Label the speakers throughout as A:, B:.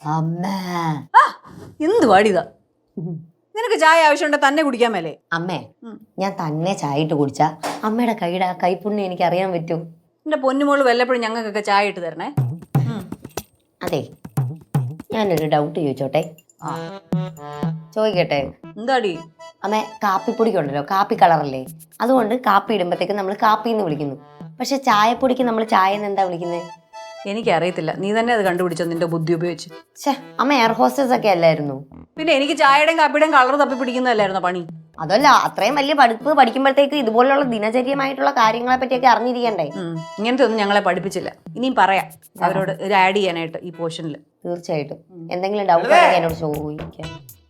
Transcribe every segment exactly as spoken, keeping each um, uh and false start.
A: അമ്മേ
B: എന്ത് പാടിയതാ നിനക്ക് ചായ ആവശ്യമുണ്ടെ തന്നെ കുടിക്കാൻ മേലേ?
A: അമ്മേ ഞാൻ തന്നെ ചായ ഇട്ട് കുടിച്ച അമ്മയുടെ കൈയുടെ കൈപ്പുണ്യം എനിക്ക് അറിയാൻ പറ്റും.
B: എന്റെ പൊന്നുമോള് വല്ലപ്പോഴും ഞങ്ങൾക്കൊക്കെ ചായ ഇട്ട് തരണേ.
A: അതെ ഞാനൊരു ഡൗട്ട് ചോദിച്ചോട്ടെ? ചോദിക്കട്ടെ?
B: എന്താടി?
A: അമ്മേ കാപ്പിപ്പൊടിക്കുണ്ടല്ലോ, കാപ്പി കളറല്ലേ, അതുകൊണ്ട് കാപ്പി ഇടുമ്പോഴത്തേക്ക് നമ്മൾ കാപ്പി എന്ന് വിളിക്കുന്നു. പക്ഷെ ചായപ്പൊടിക്ക് നമ്മൾ ചായ എന്ന് എന്താ വിളിക്കുന്നത്?
B: എനിക്കറിയത്തില്ല, നീ തന്നെ അത് കണ്ടുപിടിച്ചോ നിന്റെ ബുദ്ധി ഉപയോഗിച്ച്.
A: ഛേ അമ്മ എയർ ഹോസ്റ്റസ് ഒക്കെ അല്ലായിരുന്നു?
B: പിന്നെ എനിക്ക് ചായയുടെയും കാപ്പിയുടെയും കളർ തപ്പി പിടിക്കുന്നതല്ലായിരുന്നോ പണി?
A: അതല്ല, അത്രയും വലിയ പഠിപ്പ് പഠിക്കുമ്പോഴത്തേക്ക് ഇതുപോലുള്ള ദിനചര്യമായിട്ടുള്ള കാര്യങ്ങളെ പറ്റിയൊക്കെ അറിഞ്ഞിരിക്കണ്ടേ?
B: ഇങ്ങനത്തെ ഒന്നും ഞങ്ങളെ പഠിപ്പിച്ചില്ല. ഇനിയും പറയാം അവരോട് ഇത് ആഡ് ചെയ്യാനായിട്ട് ഈ പോർഷനിൽ.
A: തീർച്ചയായിട്ടും എന്തെങ്കിലും ഡൗട്ട് ഉണ്ടെങ്കിൽ എന്നോട് ചോദിക്കാം.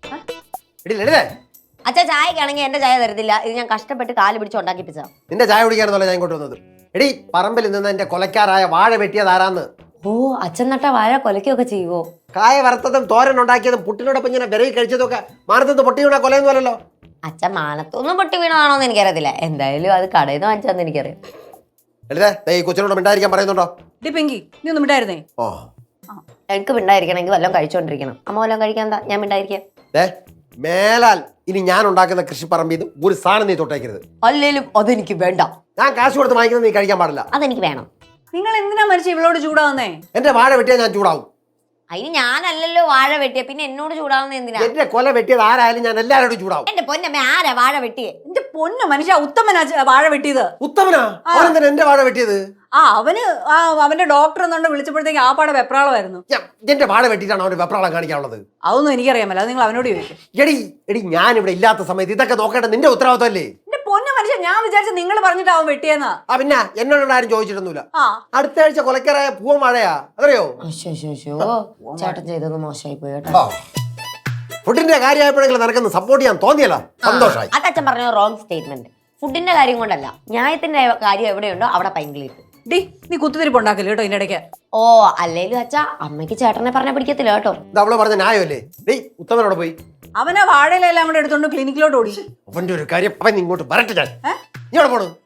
A: അച്ഛാ ചായക്കാണെങ്കിൽ എന്റെ ചായ തരത്തില്ല, ഇത് ഞാൻ കഷ്ടപ്പെട്ട് കാല് പിടിച്ച് ഉണ്ടാക്കിപ്പിച്ച.
C: നിന്റെ ചായ കുടിക്കാനെന്നല്ല ഞാൻ ഇങ്ങോട്ട് വന്നത്. എടി പറമ്പിൽ നിന്ന് എന്റെ കൊലക്കാരായ വാഴ വെട്ടിയതാരാന്ന്?
A: ഓ അച്ഛൻ നട്ട വാഴ കൊലക്കൊക്കെ ചെയ്യുവോ?
C: കായ വറുത്തതും തോരൻ ഉണ്ടാക്കിയതും പുട്ടിനോടൊപ്പം ഇങ്ങനെ വിരകി കഴിച്ചതൊക്കെ മാനത്തുനിന്ന് പൊട്ടി വീണ കൊലയൊന്നും അല്ലല്ലോ.
A: അച്ഛൻ മാനത്തൊന്നും പൊട്ടി വീണതാണോന്ന് എനിക്കറിയത്തില്ല, എന്തായാലും അത് കടയിൽ നിന്ന് വാങ്ങിച്ചതെന്ന് എനിക്കറിയാം.
C: എഴുതേ ഈ കൊച്ചിനോട് മിണ്ടായിരിക്കാൻ പറയുന്നുണ്ടോ?
B: പിങ്കി നീ ഒന്നും മിണ്ടായിരുന്നേ?
C: ഓ
A: എനിക്ക് മിണ്ടായിരിക്കണമെങ്കിൽ വല്ലതും കഴിച്ചോണ്ടിരിക്കണം. അമ്മ വല്ലതും കഴിക്കാൻ എന്താ ഞാൻ മിണ്ടായിരിക്കാം?
C: മേലാൽ ഇനി ഞാൻ ഉണ്ടാക്കുന്ന കൃഷിപ്പറമ്പിൽ നിന്ന് ഒരു സാധനം നീ തൊട്ടേക്കരുത്.
A: അല്ലേലും അതെനിക്ക് വേണ്ട.
C: ഞാൻ കാശ് കൊടുത്ത് വാങ്ങിക്കുന്നത് നീ കഴിക്കാൻ പാടില്ല.
A: അതെനിക്ക് വേണം.
B: നിങ്ങൾ എന്തിനാ മരിച്ച ഇവളോട് ചൂടാവുന്നേ?
C: എന്റെ വാഴ വെട്ടിയാൽ ഞാൻ ചൂടാവും.
A: അതിന് ഞാനല്ലല്ലോ വാഴ വെട്ടിയ, പിന്നെ എന്നോട് ചൂടാവുന്ന എന്തിനാ?
C: എന്റെ കൊല വെട്ടിയത് ആരായാലും ഞാൻ എല്ലാവരോടും ചൂടാവും.
A: എന്റെ പൊന്നമ്മ ആരാ വാഴ വെട്ടിയേ?
B: എന്റെ പൊന്നു മനുഷ്യ, ഉത്തമനാ വാഴ വെട്ടിയത്.
C: ഉത്തമനാ? അവനെന്താ എന്റെ വാഴ വെട്ടിയത്?
B: ആ അവന് ആ അവന്റെ ഡോക്ടർ എന്നുകൊണ്ട് വിളിച്ചപ്പോഴത്തേക്ക് ആ പാടെ വെപ്രാളമായിരുന്നു.
C: എന്റെ വാഴ വെട്ടിയിട്ടാണ് അവന് വെപ്രാളം കാണിക്കാനുള്ളത്?
B: അതൊന്നും എനിക്കറിയാമല്ലോ, അത് നിങ്ങൾ അവനോട് ചോദിക്കും.
C: എടി എടി ഞാൻ ഇവിടെ ഇല്ലാത്ത സമയത്ത് ഇതൊക്കെ നോക്കേണ്ട നിന്റെ ഉത്തരവാദിത്തമല്ലേ?
B: എന്റെ പൊന്നു മനുഷ്യ, ഞാൻ വിചാരിച്ച നിങ്ങൾ പറഞ്ഞിട്ടാവും വെട്ടിയെന്നാ.
C: ആ പിന്നെ എന്നോട് ആരും ചോദിച്ചിട്ടൊന്നുമില്ല.
B: ആ
C: അടുത്ത ആഴ്ച കൊലക്കാരായ പൂവൻ വാഴയാ, അതറിയോ?
A: ചേട്ടൻ ചെയ്തത് മോശമായി പോയി കേട്ടോ.
C: ഫുഡിന്റെ കാര്യമായപ്പോഴെങ്കിലും നിനക്കൊന്ന് സപ്പോർട്ട് ചെയ്യാൻ തോന്നിയല്ലോ, സന്തോഷമായി.
A: അതച്ഛൻ പറഞ്ഞ റോങ് സ്റ്റേറ്റ്മെന്റ്. ഫുഡിന്റെ കാര്യം കൊണ്ടല്ല, ന്യായത്തിന്റെ കാര്യം എവിടെയുണ്ടോ അവിടെ പൈങ്കിളിട്ട്.
B: ഡി നീ കുത്തിരിപ്പ് ഉണ്ടാക്കില്ല കേട്ടോ ഇതിന്റെ ഇടയ്ക്ക്.
A: ഓ അല്ലേലും അച്ഛാ അമ്മയ്ക്ക് ചേട്ടനെ പറഞ്ഞ പിടിക്കത്തില്ല കേട്ടോ.
C: അവള് പറഞ്ഞ ന്യായമല്ലേ? ഡേയ് ഉത്തമനോട് പോയി
B: അവനാ വാഴയിലെല്ലാം കൂടെ എടുത്തോണ്ട് ക്ലിനിക്കിലോട്ട് ഓടി.
C: അവന്റെ ഒരു കാര്യം, അവൻ ഇങ്ങോട്ട് വരട്ടെ. ഞാൻ നീ അവിടെ പോണു.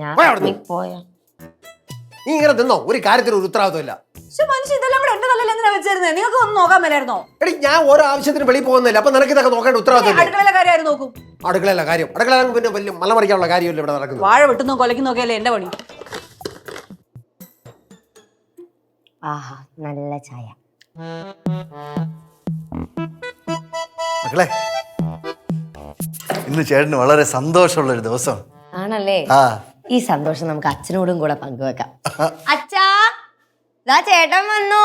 C: നീ ഇങ്ങനെ തിന്നോ? ഒരു കാര്യത്തിന് ഒരു ഉത്തരവാദിത്തമില്ല.
B: മനുഷ്യ ഇതെല്ലാം കൂടെ എന്റെ തലയിൽ എന്തിനാ വെച്ചിരുന്നത്? നിങ്ങൾക്ക് ഒന്നും നോക്കാൻ മേലായിരുന്നോ?
C: എടി ഞാൻ ഓരോ ആവശ്യത്തിന് വെളിയിൽ പോകുന്നില്ല, അപ്പൊ നിനക്ക് ഇതൊക്കെ നോക്കേണ്ട ഉത്തരവാദിത്തം.
B: അടുക്കളയിലെ കാര്യം നോക്കും.
C: അടുക്കളയിലെ കാര്യം അടുക്കള പിന്നെ വലിയ മലമറിക്കാനുള്ള കാര്യമല്ല ഇവിടെ നടക്കുന്നത്.
B: വാഴ വെട്ടുന്നോ കൊലയ്ക്കുന്നോ ഒക്കെ അല്ലേ എന്റെ പണി.
A: ആഹാ നല്ല ചായ.
D: മക്കളെ ഇന്ന് ചേട്ടന് വളരെ സന്തോഷമുള്ള ഒരു ദിവസം
A: ആണല്ലേ? ഈ സന്തോഷം നമുക്ക് അച്ഛനോടും കൂടെ പങ്കുവെക്കാം. അച്ഛാ ദാ ചേട്ടൻ വന്നു.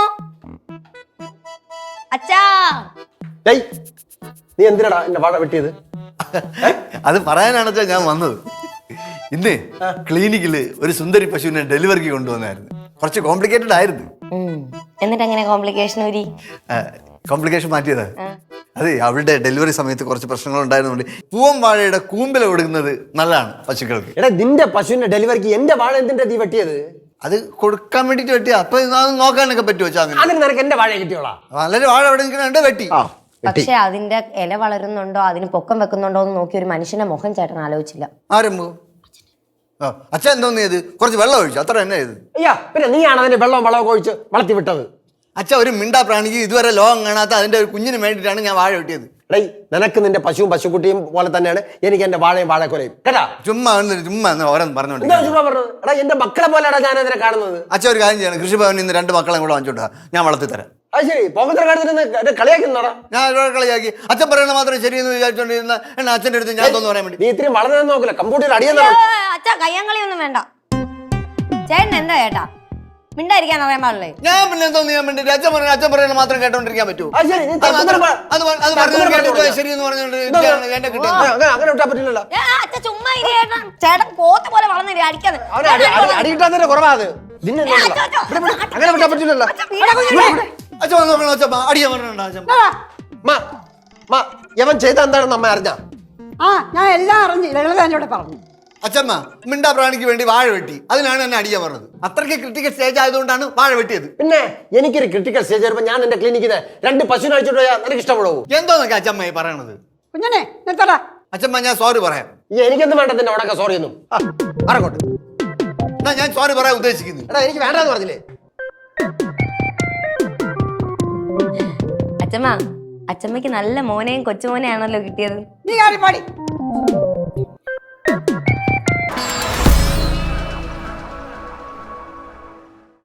A: അച്ഛാ
C: നീ എന്തിനാടാ എന്റെ വാഴ വെട്ടിയത്?
D: അത് പറയാനാണ് ഞാൻ വന്നത്. ഇന്ന് ക്ലിനിക്കില് ഒരു സുന്ദരി പശുവിനെ ഡെലിവറിക്ക് കൊണ്ടുവന്നായിരുന്നു. കുറച്ച് കോംപ്ലിക്കേറ്റഡ് ആയിരുന്നു.
A: എന്നിട്ട് എങ്ങനെ കോംപ്ലിക്കേഷൻ വരി?
D: കോംപ്ലിക്കേഷൻ മാറ്റിയതാ. അതെ, അവളുടെ ഡെലിവറി സമയത്ത് കുറച്ച് പ്രശ്നങ്ങൾ ഉണ്ടായിരുന്നുകൊണ്ട് പൂവൻ വാഴയുടെ കൂമ്പില കൊടുക്കുന്നത് നല്ലതാണ് പശുക്കൾക്ക്.
C: എടാ നിന്റെ പശുവിന്റെ ഡെലിവറിക്ക് എന്റെ വാഴ എന്തിന്റെ തീ വെട്ടിയത്?
D: അത് കൊടുക്കാൻ വേണ്ടിട്ട് വെട്ടിയ. അപ്പൊ നോക്കാനൊക്കെ പറ്റുമോ?
C: അതിന് നിനക്ക് എന്റെ വാഴ കിട്ടിയോളാം.
D: നല്ലൊരു വാഴ എവിടെ നിൽക്കുന്നുണ്ട് വെട്ടി.
A: പക്ഷെ അതിന്റെ ഇല വളരുന്നുണ്ടോ അതിന് പൊക്കം വെക്കുന്നുണ്ടോ എന്ന് നോക്കി ഒരു മനുഷ്യന്റെ മുഖം ചേട്ടൻ ആലോചിച്ചില്ല.
D: ആരംഭം അച്ഛൻ എന്തോന്ന് ചെയ്ത് കുറച്ച് വെള്ളം ഒഴിച്ചു, അത്ര തന്നെ ചെയ്ത്.
C: അയ്യാ പിന്നെ നീയാണ് അതിന്റെ വെള്ളവും വളമൊക്കെ ഒഴിച്ച് വളർത്തി വിട്ടത്.
D: അച്ഛൻ ഒരു മിണ്ടാ പ്രാണിക്ക് ഇതുവരെ ലോകം കാണാത്ത അതിന്റെ ഒരു കുഞ്ഞിന് വേണ്ടിയിട്ടാണ് ഞാൻ വാഴ വെട്ടിയത്.
C: ഡേ നിനക്ക് നിന്റെ പശുവും പശുക്കുട്ടിയും പോലെ തന്നെയാണ് എനിക്ക് എന്റെ വാഴയും വാഴക്കൊലയും കേട്ടാ.
D: ചുമ്മാ ചുമ്മാ ഓരോന്ന് പറഞ്ഞോണ്ട്
C: ചുമ്മാ പറഞ്ഞത്. എടാ എന്റെ മക്കളെ പോലെയാണ് ഞാൻ അതിനെ കാണുന്നത്.
D: അച്ഛൻ ഒരു കാര്യം ചെയ്യണം, കൃഷിഭവനിൽ നിന്ന് രണ്ട് മക്കളെ കൂടെ വാങ്ങിച്ചോട്ടാ, ഞാൻ വളർത്തി തരാം.
C: അത് ശരി, പോകത്ര കാര്യത്തിന് കളിയാക്കുന്നോടാ?
D: ഞാൻ കളിയാക്കി അച്ഛൻ പറയുന്ന മാത്രം ശരിയെന്ന് വിചാരിച്ചോണ്ടിരുന്ന എന്നെ അച്ഛൻ്റെ അടുത്ത് ഞാൻ തോന്നുന്നു പറയാൻ വേണ്ടി.
C: നീ ഇത്രയും വളർന്നു നോക്കില്ല, കമ്പ്യൂട്ടർ അടിയെന്ന്.
A: അച്ഛാ കയ്യാങ്കളിയൊന്നും വേണ്ട. ചേട്ടൻ എന്താ ചേട്ടാ മിണ്ടായിരിക്കാൻ അറിയാൻ പാടില്ലേ?
D: ഞാൻ പിന്നെ എന്തോ ചെയ്യാൻ വേണ്ടി അച്ഛൻ പറയുന്നത് അച്ഛൻ പറയുന്നത് മാത്രം കേട്ടോണ്ടിരിക്കാൻ പറ്റൂ? ശരിയെന്ന് പറഞ്ഞോണ്ട് എന്നെ കിട്ടും.
C: അങ്ങനെ വിട്ടാ പറ്റില്ലല്ലോ.
A: അച്ഛൻ ചുമ്മാ ചേട്ടൻ പോത്ത പോലെ വളർന്നില്ല അടിക്കാതെ.
C: അടി കിട്ടാൻ കുറവാ അത്. അങ്ങനെ വിട്ടാ പറ്റില്ലല്ലോ.
D: അച്ഛൻ നോക്കണം അച്ഛൻ അടിയാൻ പറഞ്ഞിട്ടുണ്ടോ?
C: യവൻ ചെയ്ത എന്താണെന്ന് അമ്മ അറിഞ്ഞ?
E: ആ ഞാൻ എല്ലാം അറിഞ്ഞു, ലളിതോട് പറഞ്ഞു.
D: അച്ഛമ്മ മിണ്ടാ പ്രാണിക്ക് വേണ്ടി വാഴ വെട്ടി, അതിനാണ് എന്നെ അടിയാൻ പറഞ്ഞത്. അത്രയ്ക്ക് ക്രിട്ടിക്കൽ സ്റ്റേജ് ആയതുകൊണ്ടാണ് വാഴ വെട്ടിയത്.
C: പിന്നെ എനിക്കൊരു ക്രിട്ടിക്കൽ സ്റ്റേജ് വരുമ്പോ ഞാൻ എന്റെ ക്ലിനിക്കിന് രണ്ട് പശുവിനെ അഴിച്ചോണ്ട് പോയാൽ നിനക്ക് ഇഷ്ടപ്പെടുവോ?
D: എന്തോന്നൊക്കെ അച്ഛമ്മ പറയണത്?
E: കുഞ്ഞനെ നിർത്തടാ.
D: അച്ഛമ്മ ഞാൻ സോറി പറയാം.
C: എനിക്കൊന്നും വേണ്ട നിന്റെ ഉടക്ക സോറി ഒന്നും. പറക്കോട്ടെ
D: എന്നാ ഞാൻ സോറി പറയാൻ ഉദ്ദേശിക്കുന്നു.
C: എടാ എനിക്ക് വേണ്ടെന്ന് പറഞ്ഞില്ലേ?
A: അച്ഛമ്മ അച്ഛമ്മയ്ക്ക് നല്ല മോനെയും കൊച്ചുമോനെയാണല്ലോ കിട്ടിയത്.
E: നീ കാര്യം പാടി